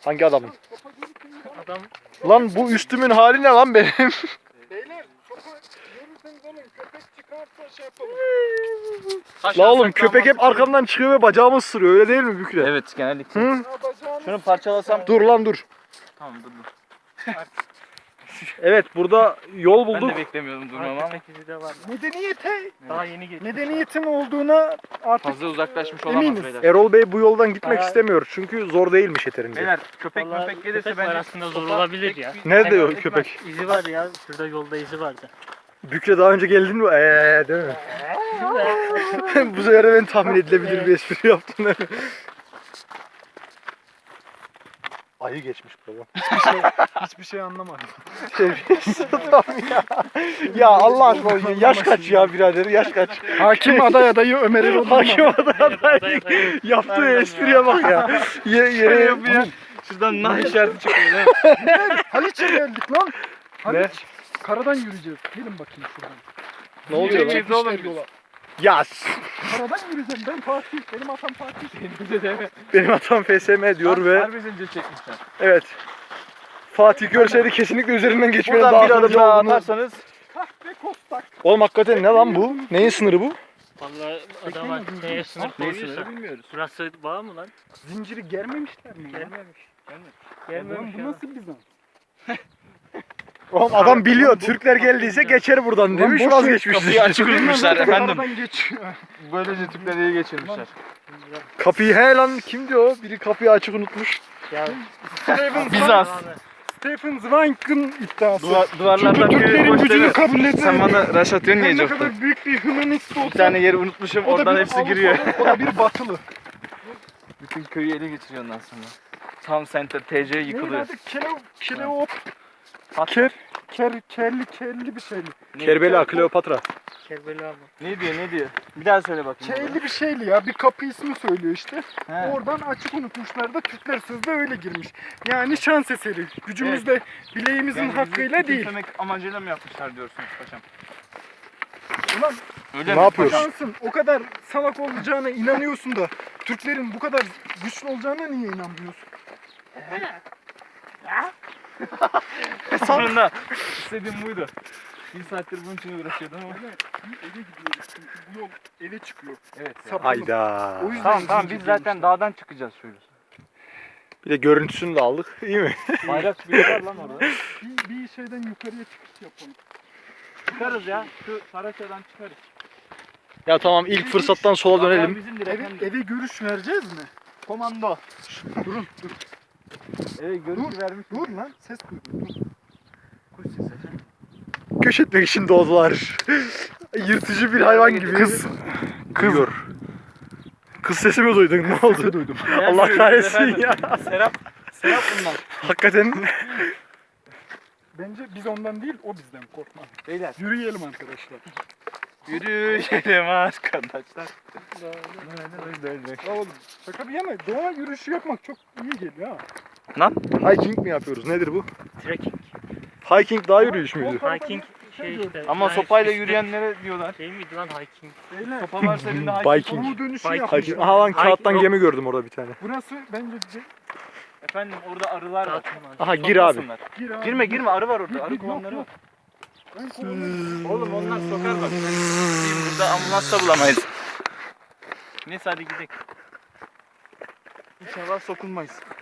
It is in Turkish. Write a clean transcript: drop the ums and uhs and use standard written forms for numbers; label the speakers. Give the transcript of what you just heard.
Speaker 1: Hangi adamın?
Speaker 2: Adam
Speaker 1: Lan bu üstümün hali ne lan benim?
Speaker 3: Beyler sopa görürseniz alın. Köpek çıkarsa şey yapalım.
Speaker 1: La oğlum köpek hep arkamdan çıkıyor ve bacağımı ısırıyor, öyle değil mi Bükre?
Speaker 4: Evet genellikle.
Speaker 1: Hı?
Speaker 3: Ya bacağını
Speaker 4: Şunu parçalasam.
Speaker 1: Dur lan dur.
Speaker 4: Tamam dur.
Speaker 1: Evet, burada yol
Speaker 4: Ben
Speaker 1: bulduk.
Speaker 4: de beklemiyordum durmamı ama.
Speaker 2: köpek izi de var.
Speaker 3: medeniyete,
Speaker 2: Daha yeni geçti.
Speaker 3: medeniyetin olduğuna artık
Speaker 4: Fazla uzaklaşmış
Speaker 3: Eminiz.
Speaker 4: olamaz beyler.
Speaker 1: Erol Bey bu yoldan gitmek
Speaker 2: Bayağı-
Speaker 1: istemiyor çünkü zor değilmiş yeterince.
Speaker 4: Beyler köpek
Speaker 2: Vallahi
Speaker 4: köpek gelirse
Speaker 2: köpek
Speaker 4: bence
Speaker 2: var aslında zor
Speaker 4: sopa
Speaker 2: olabilir
Speaker 4: tek
Speaker 2: ya.
Speaker 4: bir-
Speaker 1: Nerede o
Speaker 4: Ekmek.
Speaker 1: köpek?
Speaker 2: İzi var ya. Şurada yolda izi vardı.
Speaker 1: Bükre daha önce geldin mi? Değil mi? Bu sefer de ben tahmin edilebilir bir espri yaptın değil mi? Ayı geçmiş baba.
Speaker 3: hiçbir şey anlamadım.
Speaker 1: Adam ya. Ya Allah aşkına yaş kaç ya birader, yaş kaç?
Speaker 3: Hakim adayı Ömer Erol
Speaker 1: Hakim adayı yaptığı espriye bak ya. Yere
Speaker 4: yapıyor. Şuradan nah işareti çıkıyor değil mi?
Speaker 3: Haliç'e geldik lan.
Speaker 1: Ne?
Speaker 3: Haliç. Karadan yürüyeceğiz. Gelin bakayım şuradan.
Speaker 1: Ne oluyor lan?
Speaker 4: Yürüyeceğiz oğlum
Speaker 3: Gitmişler
Speaker 4: biz.
Speaker 3: yola.
Speaker 1: Ya
Speaker 3: Karadan yürüyeceğim. Ben Fatih. Benim atam Fatih.
Speaker 1: benim atam FSM diyor ve
Speaker 4: Harbi zincir çekmişler.
Speaker 1: evet. Fatih görseydi kesinlikle üzerinden geçmenin
Speaker 4: Buradan
Speaker 1: daha
Speaker 4: bir adım
Speaker 1: akıllıca
Speaker 4: daha
Speaker 1: olduğunu.
Speaker 4: atarsanız
Speaker 3: Kahve kostak.
Speaker 1: Oğlum hakikaten ne lan bu? Neyin sınırı bu?
Speaker 2: Vallahi adama neye sınır koyuyorsa.
Speaker 4: bilmiyoruz.
Speaker 2: Burası bağ mı lan?
Speaker 3: Zinciri germemişler mi? ya?
Speaker 2: Gelmemiş.
Speaker 3: Lan
Speaker 2: Gelmemiş
Speaker 3: bu
Speaker 2: ya.
Speaker 3: nasıl Bizans?
Speaker 1: Oğlum adam biliyor, Türkler geldiyse geçer buradan demiş,
Speaker 3: boş ver,
Speaker 1: vazgeçmiş.
Speaker 4: kapıyı açık unutmuşlar efendim.
Speaker 3: Karadan geçiyor.
Speaker 4: Böylece Türkleri iyi geçirmişler.
Speaker 1: Kapıyı he lan, kimdi o? Biri kapıyı açık unutmuş.
Speaker 2: Ya
Speaker 4: Bizans.
Speaker 3: Stephen Zweig'ın iddiası.
Speaker 4: Duvarlardan
Speaker 3: Çünkü Türklerin gücünü kabul
Speaker 4: Sen
Speaker 3: etmiyor.
Speaker 4: bana rush atıyorsun
Speaker 3: Ben
Speaker 4: ya
Speaker 3: ne
Speaker 4: Jofta.
Speaker 3: kadar büyük bir hümanist
Speaker 4: Bir
Speaker 3: olsa
Speaker 4: tane yeri unutmuşum
Speaker 3: o da
Speaker 4: oradan
Speaker 3: bir
Speaker 4: hepsi
Speaker 3: Avrupalı,
Speaker 4: giriyor.
Speaker 3: O da bir batılı.
Speaker 4: Bütün köyü ele geçiriyor ondan sonra. Tam center TC
Speaker 3: Neydi
Speaker 4: yıkılıyor.
Speaker 3: adı? Keleop.
Speaker 4: Pat-
Speaker 3: Kerli bir şeyli.
Speaker 1: Kerbela, Kleopatra.
Speaker 2: Kerbela mı?
Speaker 4: Ne diyor? Bir daha söyle bakayım.
Speaker 3: Kerli bir şeyli ya. Bir kapı ismi söylüyor işte.
Speaker 4: He.
Speaker 3: Oradan açık unutmuşlar da Türkler sözde öyle girmiş. Yani şans eseri. Gücümüzde bileğimizin
Speaker 4: Yani bizi
Speaker 3: hakkıyla değil.
Speaker 4: küçümsemek amacıyla mı yapmışlar diyorsunuz paşam?
Speaker 3: Ulan
Speaker 4: Öyle
Speaker 1: Ne
Speaker 4: mi?
Speaker 1: yapıyorsun?
Speaker 3: şansın o kadar salak olacağına inanıyorsun da Türklerin bu kadar güçlü olacağına niye inanmıyorsun?
Speaker 4: Sonunda istediğim buydu. Bir saattir bunun için uğraşıyordum ama.
Speaker 3: Eve gidiyoruz çünkü bu yol eve çıkıyor.
Speaker 4: Evet.
Speaker 3: Sapılı.
Speaker 1: Hayda.
Speaker 3: O yüzden
Speaker 4: Tamam
Speaker 3: zincir
Speaker 4: biz zaten
Speaker 3: girmişler.
Speaker 4: dağdan çıkacağız şöyle.
Speaker 1: Bir de görüntüsünü de aldık, iyi mi?
Speaker 4: Bayrak bir var lan orada.
Speaker 3: Bir şeyden yukarıya çıkış yapalım.
Speaker 4: Çıkarız ya. Şu Saraço'dan çıkarız.
Speaker 1: Ya tamam, ilk fırsattan sola dönelim.
Speaker 4: Bizimdir
Speaker 3: Eve,
Speaker 4: efendim.
Speaker 3: eve görüş vereceğiz mi?
Speaker 4: Komando.
Speaker 3: Durun dur.
Speaker 4: Evet görüntü vermiş.
Speaker 3: Dur lan ses duydum. Dur.
Speaker 4: Kuş sesi efendim.
Speaker 1: Göç etmek için doğdular. Yırtıcı bir hayvan gibi. Kız. Kızıyor. Kız sesi mi duydun? Ne oldu?
Speaker 3: duydum.
Speaker 1: Allah kahretsin ya.
Speaker 4: Serap bundan.
Speaker 1: Hakikaten.
Speaker 3: Bence biz ondan değil o bizden korkma.
Speaker 4: Beyler.
Speaker 3: Yürüyelim arkadaşlar.
Speaker 4: Yürüyelim arkadaşlar.
Speaker 3: Ya oğlum şaka bir yana doğa yürüyüşü yapmak çok iyi geliyor ha.
Speaker 4: Lan.
Speaker 1: Hiking mi yapıyoruz? Nedir bu?
Speaker 2: Trekking.
Speaker 1: Hiking dağ yürüyüş müydü?
Speaker 2: Hiking şey işte.
Speaker 4: Ama
Speaker 2: yani
Speaker 4: sopayla
Speaker 2: işte-
Speaker 4: yürüyenlere diyorlar.
Speaker 2: Şey miydi lan hiking?
Speaker 3: Beyler
Speaker 4: Sopa varsa elinde
Speaker 1: Biking.
Speaker 3: doğu dönüşü
Speaker 2: Hiking.
Speaker 3: yapmış.
Speaker 1: Hiking. Aha lan kağıttan
Speaker 2: Yok.
Speaker 1: gemi gördüm orada bir tane.
Speaker 3: Burası bence
Speaker 4: Efendim orada arılar var.
Speaker 2: Dağıtılmaz.
Speaker 1: Aha gir abi.
Speaker 4: Sokmasınlar.
Speaker 3: gir abi.
Speaker 4: Girme arı var orada.
Speaker 3: Gir,
Speaker 4: Arı
Speaker 3: gir, yok,
Speaker 4: kovanları var.
Speaker 3: yok. Ben kovalarım.
Speaker 4: Oğlum onlar sokar bak. Burada ambulans da bulamayız. Neyse hadi gidelim. İnşallah sokulmayız.